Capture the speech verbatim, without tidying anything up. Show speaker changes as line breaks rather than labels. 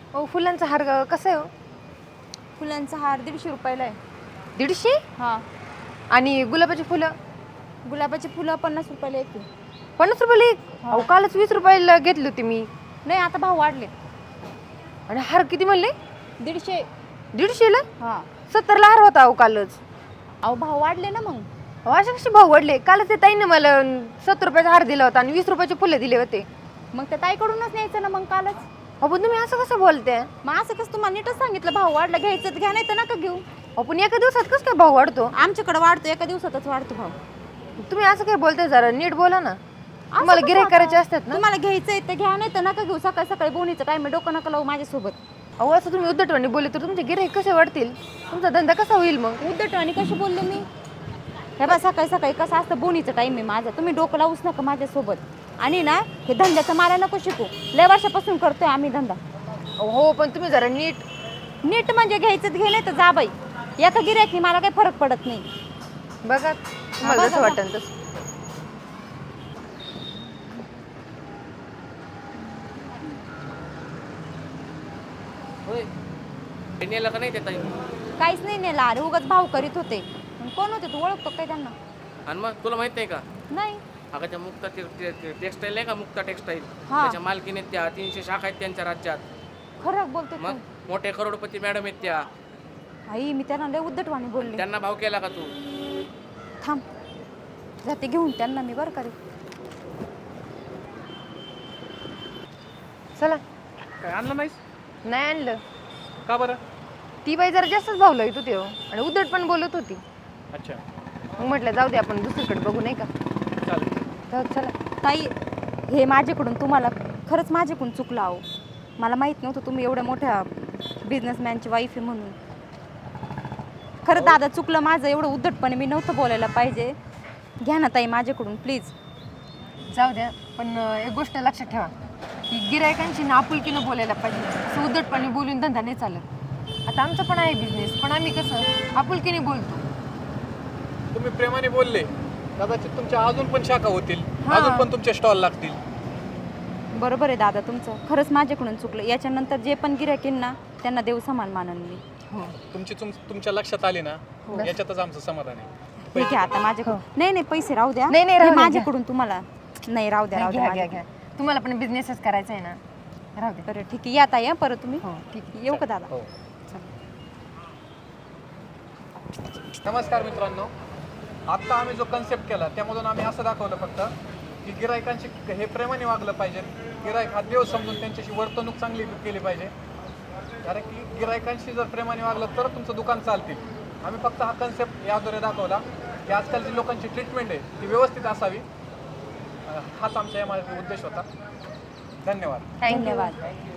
हो फुलांचा हार ग- कसा आहे हो?
फुलांचा हार दीडशे रुपयाला आहे.
दीडशे
हां.
आणि गुलाबाची फुलं
गुलाबाची फुलं पन्नास रुपयाला एक आहे.
पन्नास रुपयाला एक
हा.
अहो कालच वीस रुपयाला घेतली होती मी.
नाही आता भाव वाढले.
आणि हार किती म्हणले?
दीडशे.
दीडशेला
हां.
सत्तरला हार होता अहो कालच.
अहो भाव वाढले ना मग.
अहो असे कसे भाव वाढले? कालच ते ताईने मला सत्तर रुपयाचा हार दिला होता आणि वीस रुपयाचे फुले दिले होते.
मग त्या ताईकडूनच न्यायचं ना मग कालच.
अहो पण तुम्ही असं कसं बोलते?
मग असं कसं तुम्हाला नीटच सांगितलं भाव वाढला घ्यायचं तर घ्या नाही तर नका घेऊ.
अहो पण एका दिवसात कसं काय भाव वाढतो?
आमच्याकडे वाढतो एका दिवसातच वाढतो भाव.
तुम्ही असं काय बोलताय जरा नीट बोला ना.
असं
तुम्हाला
कसं
गिऱ्हाईक
आता?
करायचे असतात ना.
तुम्हाला घ्यायचंय तर घ्या नाही तर नका घेऊ. सकाळी सकाळी बोनीचं टाइम डोकं नका लावू माझ्यासोबत.
अहो असं तुम्ही उद्धटवाणी बोलले तर तुमचे गिऱ्हाईक कसे वाढतील? तुमचा धंदा कसा होईल मग?
उद्धट आणि कशी बोलले मी? हे बा सकाळी सकाळी कसं असतं बोनीचं टाइम आहे माझा. तुम्ही डोकं लावूच नका माझ्यासोबत. आणि ना हे धंद्याचं मला नको शिकू. लय वर्षापासून करतोय आम्ही धंदा.
हो पण तुम्ही जरा नीट.
नीट म्हणजे घ्यायचं तर घे नाही तर जा बाई. एका गिऱ्हाईकनी मला काही फरक पडत नाही.
बघा तुम्हाला
बघा,
जसं
बघा.
वाटेल तसं.
होय नेलं का नाही ते ताई?
काहीच नाही नेला अरे उगाच भाव करीत होते. पण कोण होते तू ओळखतो काय त्यांना?
आणि मग तुला माहित नाही का
नाही.
अगं त्या मुक्ता टेक्सटाईल नाही का मुक्ता टेक्सटाईल
हा.
त्याच्या मालकीने त्या तीनशे शाखा आहेत त्यांच्या राज्यात.
खरं बोलतो
मग
तू.
मोठे करोडपती मॅडम आहेत त्या.
आई मी त्यांना लय उद्धटवाणी बोलले.
त्यांना भाव केला का तू?
थांब जाते घेऊन त्यांना मी बरं करे.
चला.
काय आणलं नाहीस?
नाही आणलं.
का बरं?
ती बाई जरा जास्तच भाव लावत होती हो आणि उद्धट पण बोलत होती.
अच्छा
मग म्हटलं जाऊ दे आपण दुसरीकडे बघू नाही का.
चालेल.
जाऊ चला.
ताई हे माझ्याकडून तुम्हाला खरंच माझ्याकडून चुकलं आहो. मला माहीत नव्हतं तुम्ही एवढ्या मोठ्या बिझनेसमॅनची वाईफ आहे म्हणून. खरं दादा चुकलं माझं. एवढं उद्धटपणे मी नव्हतं बोलायला पाहिजे. घ्या ना ताई माझ्याकडून प्लीज.
जाऊ द्या पण अं, एक गोष्ट लक्षात ठेवा की गिरायकांशी ना आपुलकीनं बोलायला पाहिजे. असं उद्धटपणे बोलून धंदा नाही चालत. आता आमचं पण आहे बिझनेस पण आम्ही कसं आपुलकीने बोलतो.
तुम्ही प्रेमाने बोलले कदाचित तुमच्या अजून पण शाखा होतील.
हा.
अजून पण तुमचे स्टॉल लागतील.
बरोबर आहे दादा तुमचं. खरंच माझ्याकडून चुकलं. याच्यानंतर जे पण गिऱ्हाईक येईल ना त्यांना देव समान मानन मी.
हो
तुमची तुम तुमच्या लक्षात आली ना
हो.
याच्यातच आमचं समाधान आहे.
ठीक आहे आता माझ्याकडून. नाही नाही पैसे राहू द्या.
नाही, नाही,
हे
राहू द्या,
माझ्याकडून तुम्हाला. नाही राहू द्या राहू
घ्या
द्या
घ्या घ्या.
माझ्याकडून.
तुम्हाला पण बिझनेसच करायचा आहे ना. राहू दे.
बरं ठीक आहे या ताई हं, परत तुम्ही.
हो ठीक आहे.
येऊ का दादा?
हो. नमस्कार मित्रांनो. आत्ता आम्ही जो कन्सेप्ट केला त्यामधून आम्ही असं दाखवलं फक्त की गिरायकांशी हे प्रेमाने वागलं पाहिजे. गिरायक हा देव समजून त्यांच्याशी वर्तणूक चांगली केली पाहिजे. कारण की गिरायकांशी जर प्रेमाने वागलं तर तुमचं दुकान चालतील. आम्ही फक्त हा कन्सेप्ट याद्वारे दाखवला की आजकालची लोकांची ट्रीटमेंट आहे ती व्यवस्थित असावी. हाच आमच्या या माझा उद्देश होता. धन्यवाद.
Thank you.
धन्यवाद.